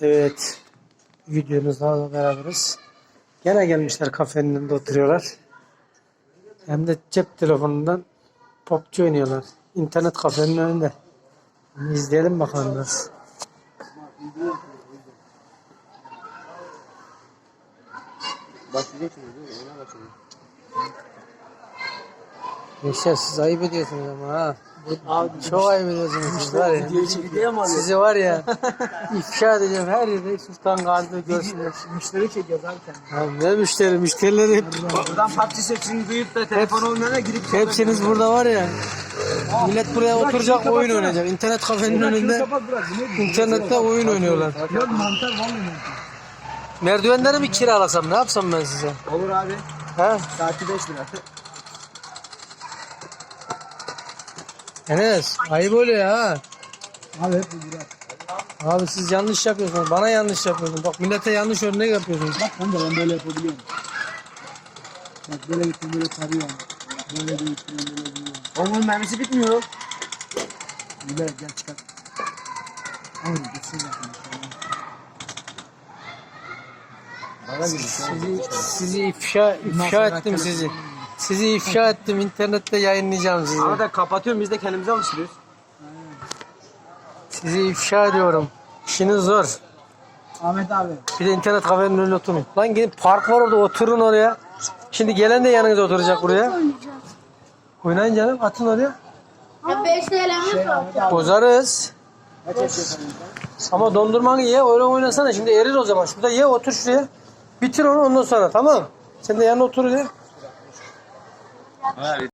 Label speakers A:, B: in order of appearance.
A: Evet. Videomuzla beraberiz. Gene gelmişler kafenin önünde oturuyorlar. Hem de cep telefonundan PUBG oynuyorlar. İnternet kafenin önünde. İzleyelim bakalım biraz. Yaşar siz ayıp ediyorsunuz ama ha. Abi, çok ayıp ediyorsunuz siz var ya. Sizi var ya ifşa edeceğim her yerde Sultan Gazi'de görsünler.
B: Müşteri çekiyoruz abi kendini.
A: Ne müşteri? Müşterileri hep...
B: Buradan PUBG sesini duyup da telefon olmayana girip...
A: Hepsiniz burada var ya. Millet buraya oturacak oyun oynayacak. İnternet kafenin önünde internette oyun oynuyorlar.
B: Yok mantar vallahi mantar.
A: Merdivenleri mi kiralasam ne yapsam ben size?
B: Olur abi.
A: Ha?
B: Saati 5 lira.
A: Enes ayıp oluyor ha.
B: Abi hep bu lira.
A: Abi siz yanlış yapıyorsunuz. Bana yanlış yapıyorsunuz. Bak millete yanlış örnek yapıyorsunuz.
B: Bak ben böyle yapabiliyorum. Bak böyle gittim böyle tarıyorum. Böyle de gittim böyle diyorum. Onun mermisi bitmiyor. Güzel gel çıkar. Aynen gitsin zaten.
A: Sizi ifşa ettim sizi. Sizi ifşa ettim. İnternette yayınlayacağım sizi.
B: Arada kapatıyorum biz de kendimize alıştırıyoruz.
A: Sizi ifşa ediyorum. İşiniz zor.
B: Ahmet abi.
A: Bir de internet kafenin önüne oturun. Lan gidin park var orada oturun oraya. Şimdi gelen de yanınıza oturacak buraya. Oynayın canım atın oraya.
C: Ya 5 TL'miz var.
A: Bozarız.
B: Kaç yaşıyorsun?
A: Ama dondurmanı ye öyle oynasana şimdi erir o zaman. Şurada ye otur şuraya. Bitir onu ondan sonra tamam. Sen de yanına otur ya.